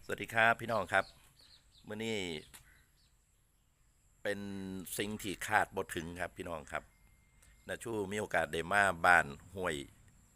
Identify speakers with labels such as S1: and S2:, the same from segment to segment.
S1: สวัสดีครับพี่น้องครับมื้อนี้เป็นสิ่งที่คาดบ่ถึงครับพี่น้องครับนาชูมีโอกาสได้มาบ้านห้วย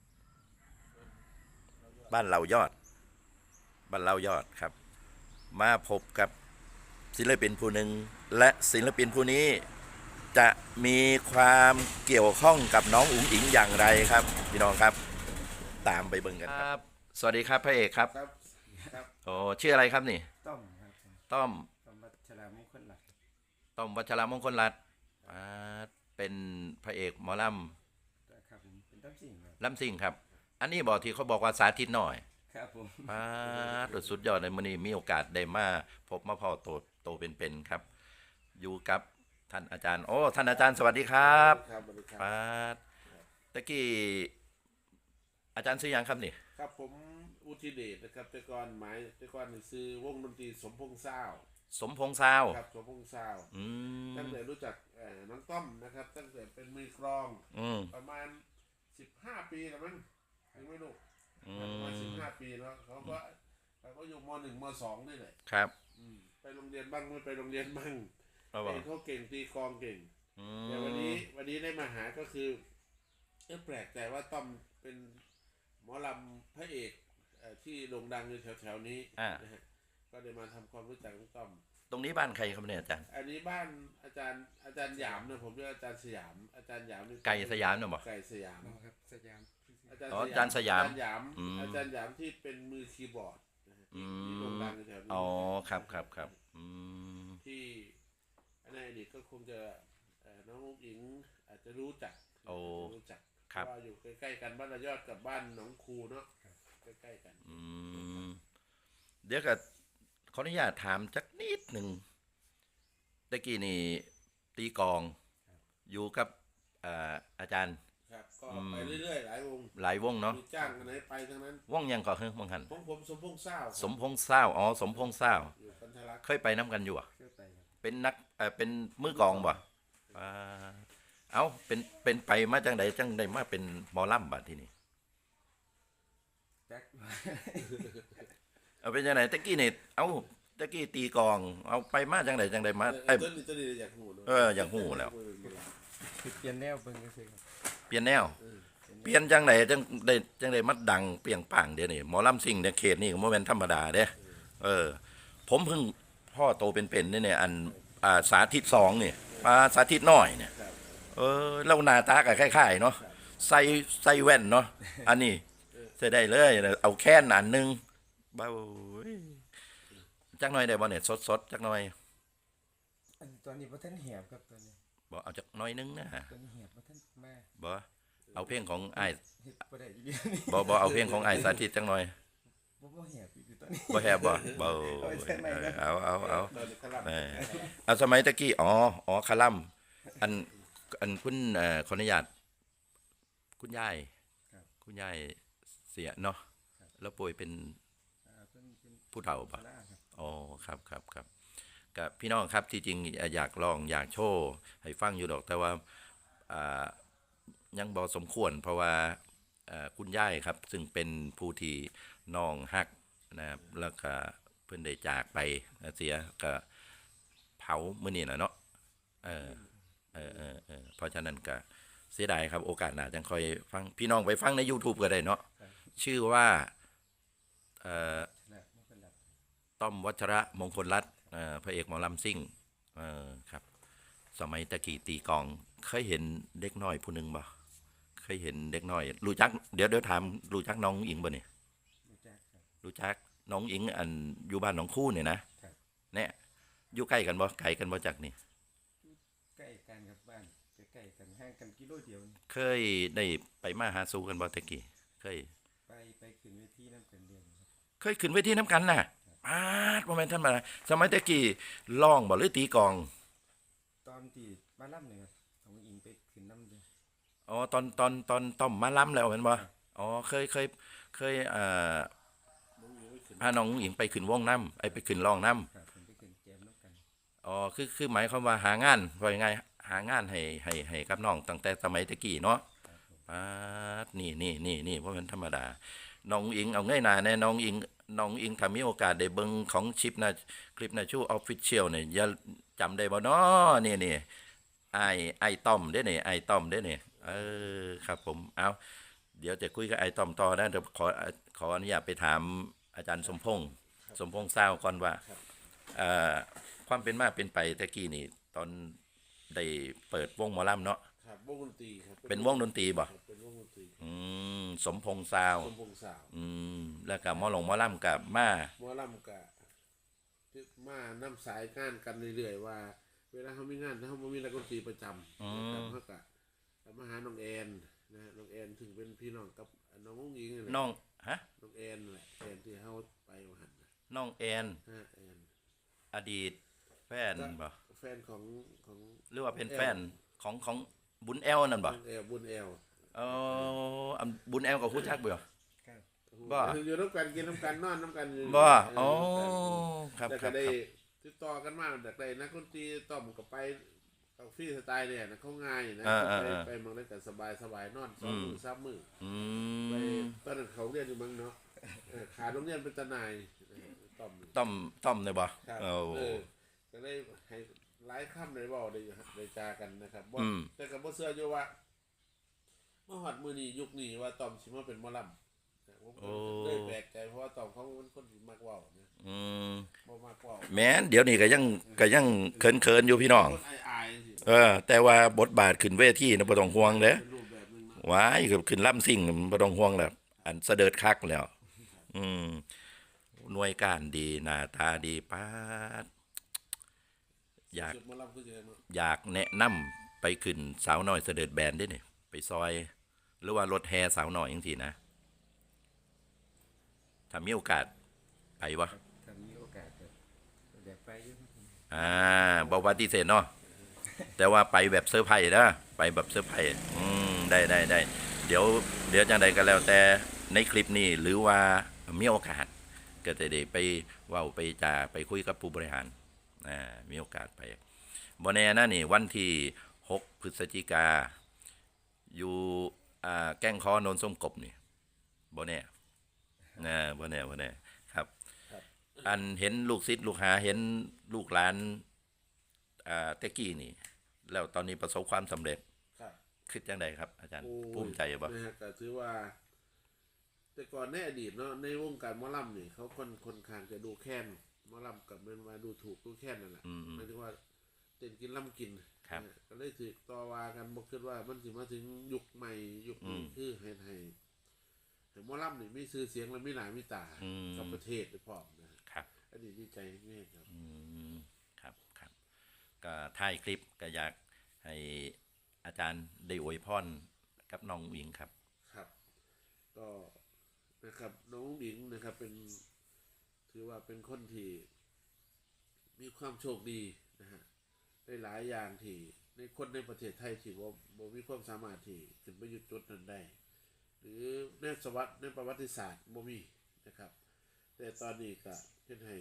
S1: บ้านเรายอดบ้านเรายอดครับมาพบกับศิลปินผู้หนึ่งและศิลปินผู้นี้จะมีความเกี่ยวข้องกับน้องอุ๋งอิงอย่างไรครับพี่น้องครับตามไปเบิ่งกันครับสวัสดีครับพระเอกครับ
S2: ครับครับ
S1: โอ้ชื่ออะไรครับนี่
S2: ต้อมครับ
S1: ต้อม
S2: ต้อมวัชรามงคลหลัก
S1: ต้อมวัชรมงคลรัตน์อ่าเป็นพระเอกหมอล
S2: ครับผมเป็นต้อมสิ่งครับ
S1: ำลำซิ่งครับอันนี้บอกที่เขาบอกว่าสาธิตหน่อย
S2: ครับผม
S1: ป้าดสุดยอดเลยมื้อนี้มีโอกาสได้มาพบมาพอโตเป็นๆครับอยู่กับท่านอาจารย์โอ้ท่านอาจารย์สวัสดีครับ
S2: ครับสวัสดีครับ
S1: ป้าดตะกี้อาจารย์ซื้อยังครับนี่
S2: ครับผมอุทิเดชนะครับแต่ก่อนซื้อวงดนตรีสมพงษ์ซาว
S1: สมพงษ์ซาว
S2: ครับสมพงษ์ซาว
S1: อื
S2: ตั้ง
S1: ม
S2: แต่รู้จักน้องต้อมนะครับตั้งแต่เป็นมือกลองประมาณ15 ปีแล้วมั้งยังไม่รู้ประมาณ15 ปีแล้วเขาก็อยู่ม.1 ม.2นี่แหละ
S1: ครับ
S2: ไปโรงเรียนบ้างไม่ไปโรงเรียนบ้างเขาเก่งตีกลองเก่งแต่วันนี้ได้มาหาก็คือแปลกใจว่าต้อมเป็นหมอลำพระเอกที่โด่งดังอยู่แถวๆนี้นะฮะก็ได้มาทำความรู้จักน้องต้อม
S1: ตรงนี้บ้านใครครับเนี่ยอาจารย์
S2: อันนี้บ้านอาจารย์หยามนะผมเรียกอาจารย์สยามอาจารย์หยามนี่
S1: ไก่สยามเนี่ยบอก
S2: ไก่สยาม
S3: ครับสยาม
S1: อาจารย์สยาม
S2: อาจารย์หยามที่เป็นมือคีย์บอร์ดที่โด่งดังอยู่แถวนี้
S1: อ๋อครับ
S2: ที่ในอดีตก็คงจะน้องอุ๊งอิงอาจจะรู้จักว่าอยู่ใกล้ๆกันบ้านระยอดกับบ้านหนองคูเนาะใกล้ๆกัน
S1: เดี๋ยวก็ขออนุญาตถามจักนิดหนึ่งตะกี้นี่ตีกองอยู่กับอาจารย์
S2: ครับก็ไปเรื่อยๆหลายว
S1: งเนาะ
S2: จ้างไหนไปทั้งนั้น
S1: วงยังก่อเฮ้ยมงหัน
S2: ผมสมพงษ์ซาว
S1: สมพงษ์ซาวอ๋อสมพงษ์ซาว
S2: อยู่กันทะลัก
S1: เคยไปน้ำกันอยู่อ่ะ
S2: เคยไป
S1: เป็นนักเป็นมือกองบ่เอาเป็นไปมาจังใดมาเป็นหมอลำบัดที่นี่เอาเป็นจังไหนตะกี้นี่เอาตะกี้ตีกองเอาไปมาจังใดมา
S2: ต้นนี้อยากหู
S1: อยากหูแล้ว
S3: เปลี่ยนแนวเบิ่งก็คือ
S1: เปลี่ยนแนวเปลี่ยนจังไหนจังใดมัดดังเปรียงปังเดี๋ยวนี้หมอลำซิ่งเนี่ยเขตนี่ก็บ่แม่นธรรมดาเด้ผมเพิ่งพ่อโตเป็นเนี่ยอันสาธิต2นี่สาธิตน้อยเนี่ยเล่าหน้าตาก็คล้ายๆเนาะใส่แว่นเนาะอันนี้ใส่ได้เลยเอาแค่นอันนึงเบาจักหน่อยได้บ่เนี่ยสดจักหน่อย
S3: ตอนนี้บ่ทันเหียบครับตอนนี้
S1: บ่เอาจักหน่อยนึงนะ
S3: ตอนนี้เหียบบ่ทันมา
S1: บ่เอาเพลงของอ้าย
S3: บ่ได้อีกนี่
S1: บ่เอาเพลงของอ้ายสาธิตจักหน่อย
S3: บ่เหียบอีกตอนนี้
S1: บ่แฮบบ่เบาเอาสมัยตะกี้อ๋อคาลัมอันคุณขออนุญาตคุณยายเสียเนาะแล้วป่วยเป็นผู้เฒ่าป่ะอ๋อครับกับพี่น้องครับที่จริงอยากลองอยากโชว์ให้ฟังอยู่ดอกแต่ว่ายังบ่สมควรเพราะว่าคุณยายครับซึ่งเป็นผู้ที่น้องฮักนะครับแล้วก็เพิ่นได้จากไปเสียก็เผามื้อนี้น่ะเนาะเพราะฉะนั้นก็เสียดายครับโอกาสหน้าจังค่อยฟังพี่น้องไปฟังใน YouTube ก็ได้เนาะชื่อว่าต้อมวัชระมงคลรัตน์พระเอกหมอลำซิ่งครับสมัยตะกี้ตีกองเคยเห็นเด็กน้อยผู้นึงบ่เคยเห็นเด็กน้อยรู้จักเดี๋ยวถามรู้จักน้องอิงบ่นี่รู้จักน้องอิงอันอยู่บ้านหนองคู่เนี่ยนะเนี่ยอยู่ใกล้กันบ่ไกลกันบ่จักนี่
S3: ใกล้กันครับบ้านใกล้กันห่างกันกิโลเดียว
S1: เคยได้ไปมาหาสู่กันบ่ตะกี้เคย
S3: ไปขึ้นเวทีน้ำกันเดียว
S1: เคยขึ้นเวทีน้ำกันน่ะบ่แม่นท่านมาสมัยตะกี้ร้องบ่หรือตีกอง
S3: ตอนที่มาล่ำเนี่ยครับของอิงไปขึ้นน้ำเดียว
S1: อ๋อตอนต้อมมาล้ำแล้วแม่นบ่อ๋อเคยพาน้องหญิงไปขึ้นวงน้ำไปขึ้นร้องน้ำอ๋อคือหมายความว่าหางานว่ายังไงหางานให้กับน้องตั้งแต่สมัยตะกี้เนาะนี่เพราะมันธรรมดาน้องอิงเอาง่ายหนาแน่น้องอิงน้องอิงถ้ามีโอกาสได้เบิ่งของชิปนะคลิปนะชูออฟฟิเชียลเนี่ยอย่าจำได้บ่น้อนี่ไอ้ต้อมเด้นี่ไอ้ต้อมเด้นี่ครับผมเอาเดี๋ยวจะคุยกับไอ้ต้อมต่อนะเดี๋ยวขออนุญาตไปถามอาจารย์สมพงษ์เศร้าก่อนว่าความเป็นมาเป็นไปตะกี้นี่ตอนได้เปิดวงหมอลำเนาะ
S2: ครับวงดนตรีครับ
S1: เป็นวงดนตรีบ่
S2: ครับเป็นวงดนตรี
S1: สมพงษ์ซาว
S2: สมพงษ์สาว
S1: แล้วก็หมอลำกับมา
S2: หมอลำกะมานํสายงานกันเรื่อยๆว่า เวลาเขามีงานถ้าเขาบ่มีนักดนตรีประจำนะครับเขาก็มาหาน้องแอนนะน้องแอนถึงเป็นพี่น้องกับน้องอุ้งอิงนี่แหละ
S1: น้องฮะ
S2: น้องแอนแหละแอนที่เขาไปว่าหั่นน่ะ
S1: น้องแอน
S2: แอน
S1: อดีตแฟนบ่
S2: แฟนของ
S1: หรือว่าเป็นแฟนของบุญแอลนั่นบ่
S2: บุญแอล
S1: บุญแอลกับคู่จักบ่
S3: ครับ
S1: บ่
S2: อยู่น้ำกันกินน้ำกันนอนน้ำกันอยู่
S1: บ่
S2: เออ
S1: ครับ
S2: แล้ว
S1: ครั
S2: ก็
S1: บ
S2: ได้ติดต่อกันมาจากได้นักดนตรีต้อมกับไปกับฟรีสไตล์เนี่ยนะเขาง่ายนะไปเมืองได้กันสบายนอน2 มื้อ 3 มื้อ
S1: อื
S2: ไป
S1: ม
S2: ตอนนั้นเขาเรียนอยู่เมืองเนาะขาโรงเรียนเป็นตาหนายต้อม
S1: ต้อมได้บ่
S2: ครับ
S1: โอ้
S2: ก็ได้ให้หลายค่ำได้เว้าได้จากันนะครับบ่
S1: อืม
S2: แต่ก็บ่เชื่ออยู่ว่าเมื่อฮอดมื้อนี้ยุคนี้ว่าต้อมสิมาเป็นหมอลำผมก็เลยแปลกใจเพราะว่าต้อมเขาเป็นคนที่มักเว้านะ
S1: อืม
S2: บ่มักเว้า
S1: แม้นเดี๋ยวนี้ก็ยังเขินๆอยู่พี่น้อง
S2: คนอายๆสิ
S1: แต่ว่าบทบาทขึ้นเวทีนะบ่ต้องห่วงเด้
S2: เป็นรูปแบบนึงเนาะ
S1: ว้ายขึ้นล่ำซิ่งบ่ต้องห่วงแล้วอันเสด็จคักแล้ว หน่วยการดีหน้าตาดีปาดอยาก
S2: จุดหมอลำคือจังได๋เนาะ
S1: อยากแนะนำไปขึ้นสาวน้อยเสด็จแบนได้นี่ไปซอย หรือว่ารถแห่สาวน้อยจังซี่นะถ้ามีโอกาสไปวะ
S3: ถ้ามีโอกาสก็อยากไปอยู่ครับผม
S1: บ่ปฏิเสธเนาะแต่ว่าไปแบบเซอร์ไพรส์นะไปแบบเซอร์ไพรส์ได้เดี๋ยวจังใดก็แล้วแต่ในคลิปนี้หรือว่ามีโอกาสก็จะได้ไปเว้าไปจาไปคุยกับผู้บริหารมีโอกาสไปบ่แน่นะนี่วันที่6 พฤศจิกาอยู่แก้งคอโนนส้มกบนี่บ่แน่บ่แน่ครับ อันเห็นลูกศิษย์ลูกหาเห็นลูกหลานเตะกี้นี่ แล้วตอนนี้ประสบความสำเร็จ
S2: ครับ
S1: คิดจังไดครับ อาจารย์
S2: โอ้ย
S1: ภูมิใจบ่
S2: นะฮะก็ถือว่า แต่ก่อนในอดีตเนาะในวงการหมอลำนี่เขาค่อนข้างจะดูแค้นหมอลำกับมันมาดูถูกดูแค้นนั่นแหละหมายถึงว่าเต้นกินล่ำกิน
S1: ครับ
S2: นะก็เลยถือต่อว่ากันบ่คิดว่ามันสิมาถึงยุคใหม่ยุคนี้คือให้หมอลำนี่มีชื่อเสียงและมีหน้ามีตากับประเทศด้วยพร้อมนะครับ อันนี้ดีใจแม่ครับ
S1: ครับก็ท้ายคลิปก็อยากให้อาจารย์ได้อวยพรกับน้องหญิงครับ
S2: ครับ ก็นะครับน้องหญิงนะครับเป็นถือว่าเป็นคนที่มีความโชคดีนะฮะได้หลายอย่างที่ในคนในประเทศไทยที่บ่มีความสามารถที่ขึ้นไปอยู่จุดนั้นได้ หรือในประวัติศาสตร์บ่มีนะครับ แต่ตอนนี้ก็เป็นให้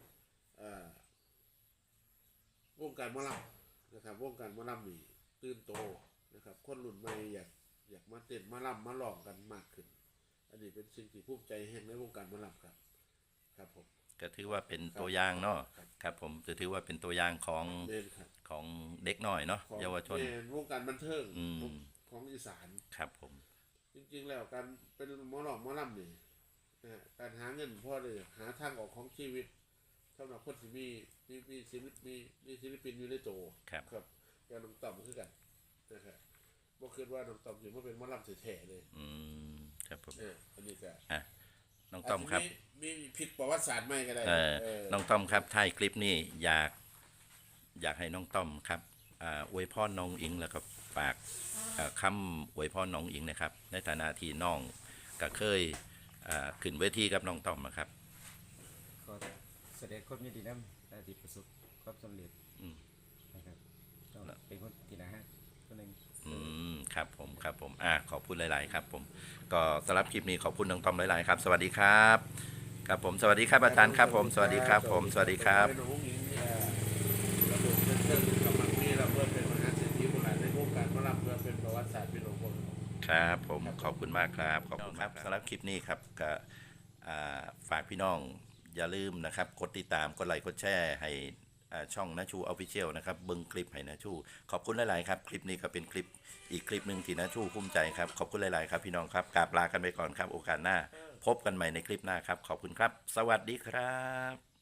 S2: วงการหมอลำนะครับวงการหมอลำนี่ตื่นโตนะครับคนรุ่นใหม่อยากมาเต้นมาลำมาร้องกันมากขึ้น อันนี้เป็นสิ่งที่ภูมิใจแห่งในวงการหมอลำครับครับผม
S1: ก็ถือว่าเป็นตัวอย่างเนาะครับผมจะถือว่าเป็นตัวอย่างของ
S2: เล่นครับ
S1: ของเด็กน้อยเนาะ
S2: ของ
S1: เยาวชน
S2: วงการบันเทิง
S1: อืม
S2: ของอีสาน
S1: ครับผม
S2: จริงๆแล้วการเป็นหมอหลอกหมอลำนี่นะฮะการหาเงินพ่อเลยหาทางออกของชีวิตสำหรับคนที่มีศิลปินอยู่ในโต
S1: ครับ
S2: ครับอย่างน้องต่อมคือกันนะครับบ่คิดว่าน้องต่อมสิมาเป็นหมอลำแท้ๆเลย
S1: ครับผม
S2: อันนี้ก็
S1: น้องต้อมครับ
S2: าจจะมีผิดประวัติศาสตร์ใหม่ก็ได้
S1: น้องต้อมครับท้ายคลิปนี้อยากให้น้องต้อมครับอวยพรน้องอิงแล้วก็ฝากคำอวยพรน้องอิงนะครับ ในฐานะที่น้องก็เคยขึ้นเวทีกับน้องต้อมนะครับ
S3: ก็แสดงความยินดีนำที่ประสบความสำเร็จนะครับก็เป็นคนที่น่าฮักคนหนึง
S1: ครับผมขอบคุณหลาย ๆ ครับผมก็สำหรับคลิปนี้ขอบคุณน้องต้อมหลาย ๆ ครับ สวัสดีครับครับผมสวัสดีครับอาจารย์ครับผมสวัสดีครับผมสวัสดีครับ
S2: น้องหญิงระบบเรื่องกำลังมีเราเพื่อเป็นมหาเศรษฐีคนหลายในวงการหมอลำเพื่อเป็นประวัติศาสตร์พี่น้องคน
S1: ครับผมขอบคุณมากครับขอบคุณครับสำหรับคลิปนี้ครับก็ฝากพี่น้องอย่าลืมนะครับกดติดตามกดไลค์กดแชร์ให้ช่องนาชูออฟฟิเชียลนะครับเบิ้งคลิปให้นาชูขอบคุณหลายๆครับคลิปนี้ก็เป็นคลิปอีกคลิปหนึ่งที่นาชูภูมิใจครับขอบคุณหลายๆครับพี่น้องครับกราบลากันไปก่อนครับโอกาสหน้าพบกันใหม่ในคลิปหน้าครับขอบคุณครับสวัสดีครับ